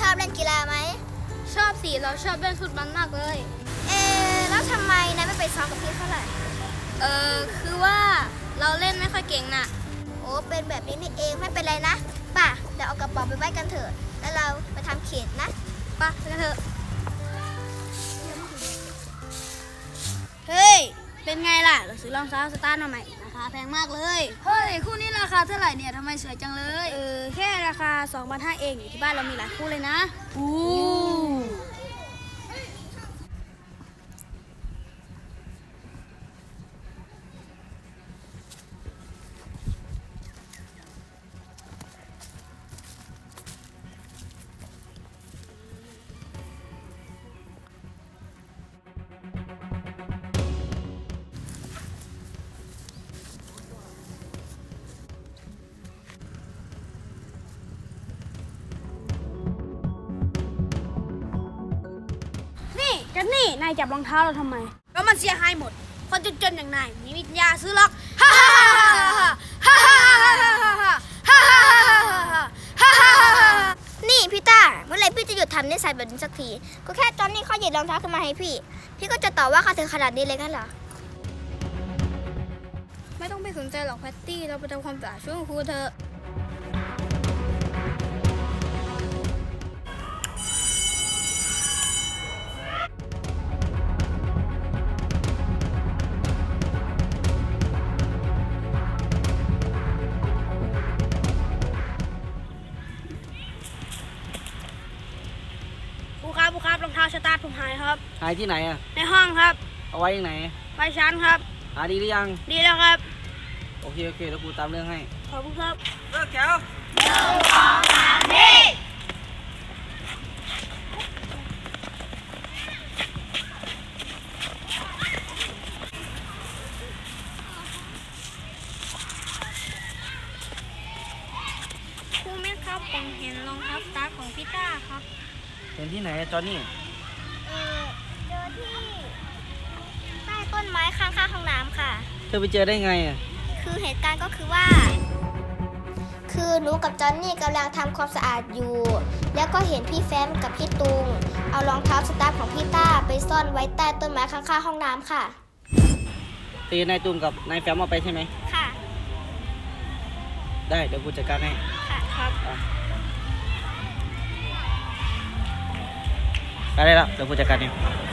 อบเล่นกีฬาไหมชอบสิเราชอบเล่นฟุตบอลมากเลยแล้วทำไมนายไม่ไปซ้อมกับพี่เท่าไหร่คือว่าเราเล่นไม่ค่อยเก่งน่ะโอ้เป็นแบบนี้นี่เองไม่เป็นไรนะป่ะเดี๋ยวเอากระเป๋าไปไว้กันเถอะแล้วเราไปทำเขตนะป่ะไปกันเถอะเฮ้ยเป็นไงล่ะเราซื้อรองเท้าสตาร์ทมาใหม่ราคาแพงมากเลยเฮ้ยคู่นี้ราคาเท่าไหร่เนี่ยทำไมสวยจังเลยแค่ราคา 2,500 เองอยู่ที่บ้านเรามีหลายคู่เลยนะนี่นายจับรองเท้าเราทำไมแล้วมันเสียหายหมดคนจนๆอย่างนายมีวิญญาซื้อหรอกฮ่าฮ่าฮ่าฮ่าฮ่าฮ่าฮ่าฮ่าฮ่าฮ่านี่พี่ต้าเมื่อไหร่พี่จะหยุดทำนิสัยแบบนี้สักทีก็แค่ตอนนี้เขาหยิบรองเท้าขึ้นมาให้พี่ก็จะต่อว่าเขาถึงขนาดนี้เลยกันเหรอไม่ต้องไปสนใจหรอกแพตตี้เราไปทำความสะอาดช่วยครูเธอครูครับรองเท้าสตาร์ทผมหายครับหายที่ไหนอ่ะในห้องครับเอาไว้ยังไหนไว้ชั้นครับหาดีหรือยังดีแล้วครับโอเคแล้วครูตามเรื่องให้ขอบคุณครับเลิกแถวครูมิตรครับผมเห็นรองเท้าสตาร์ทของพี่ต้าครับเห็นที่ไหนจอนนี่เจอที่ใต้ต้นไม้ข้างๆห้องน้ำค่ะเธอไปเจอได้ไงอ่ะคือเหตุการณ์ก็คือว่าคือหนูกับจอนนี่กำลังทำความสะอาดอยู่แล้วก็เห็นพี่แฟมกับพี่ตุงเอารองเท้าสตาร์ทของพี่ต้าไปซ่อนไว้ใต้ต้นไม้ข้างๆห้องน้ำค่ะตีนายตุงกับนายแฟมเอาไปใช่ไหมค่ะได้เดี๋ยวกูจัดการให้ค่ะครับได้แล้วเดี๋ยวกูจัดการเอง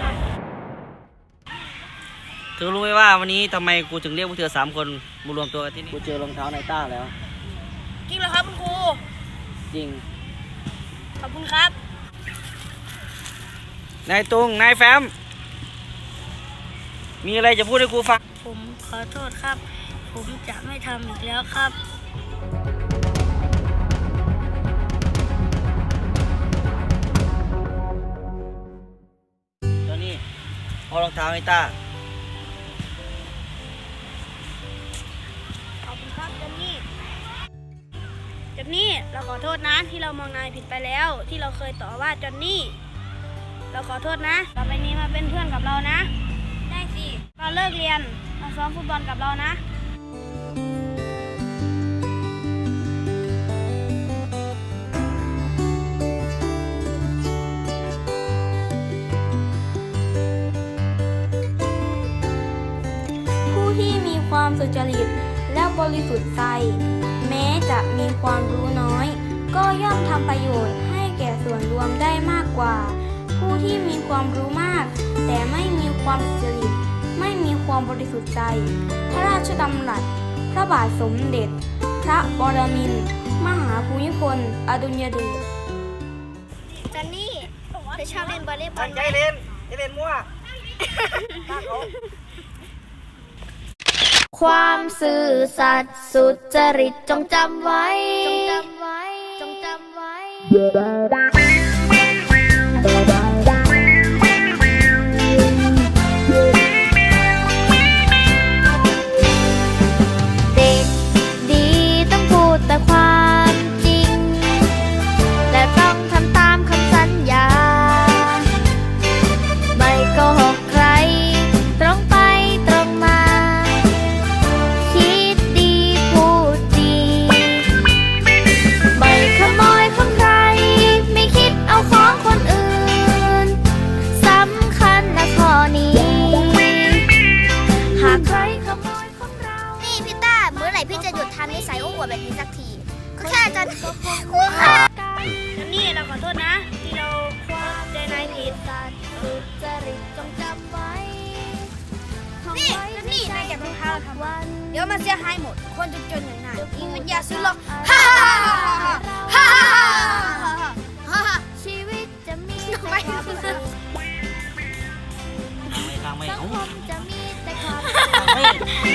เธอรู้ไหมว่าวันนี้ทำไมกูถึงเรียกพวกเธอ3 คนมารวมตัวกันที่นี่กูเจอรองเท้านายต้าแล้วจริงเหรอครับคุณครูจริงขอบคุณครับนายตุงนายแฟมมีอะไรจะพูดให้กูฟังผมขอโทษครับผมจะไม่ทำอีกแล้วครับตอนนี้เอารองเท้าให้ต้าขอบคุณครับจอนนี่เราขอโทษนะที่เรามองนายผิดไปแล้วที่เราเคยต่อว่าจอนนี่เราขอโทษนะต่อไปนี้มาเป็นเพื่อนกับเรานะได้สิเราเลิกเรียนมาซ้อมฟุตบอลกับเรานะผู้ที่มีความสุจริตและบริสุทธิ์ใจแม้จะมีความรู้น้อยก็ย่อมทำประโยชน์ให้แก่ส่วนรวมได้มากกว่าผู้ที่มีความรู้มากแต่ไม่มีความสุจริตไม่มีความบริสุทธิ์ใจพระราชดำรัสพระบาทสมเด็จพระปรมินทรมหาภูมิพลอดุลยเดชจอนนี่เธอชอบเล่นวอลเลย์บอลไหมใจเล่นมั่วความซื่อสัตย์สุจริตจงจำไว้เด็กดีต้องพูดแต่ความจริงและต้องทำตามคำสัญญาไม่โกหกใครตรงไปตรงมาคิดดีพูดดีไม่ขโมยของใครมันเสียหายหมด คนจนๆอย่างนายมีปัญญาซื้อหรอกฮ่าฮ่าฮ่าฮ่าฮ่าฮ่าชีวิตจะมีไม่แต่ความสุขทางไม่สังเอ้าคมจะมีแต่ความทางไม่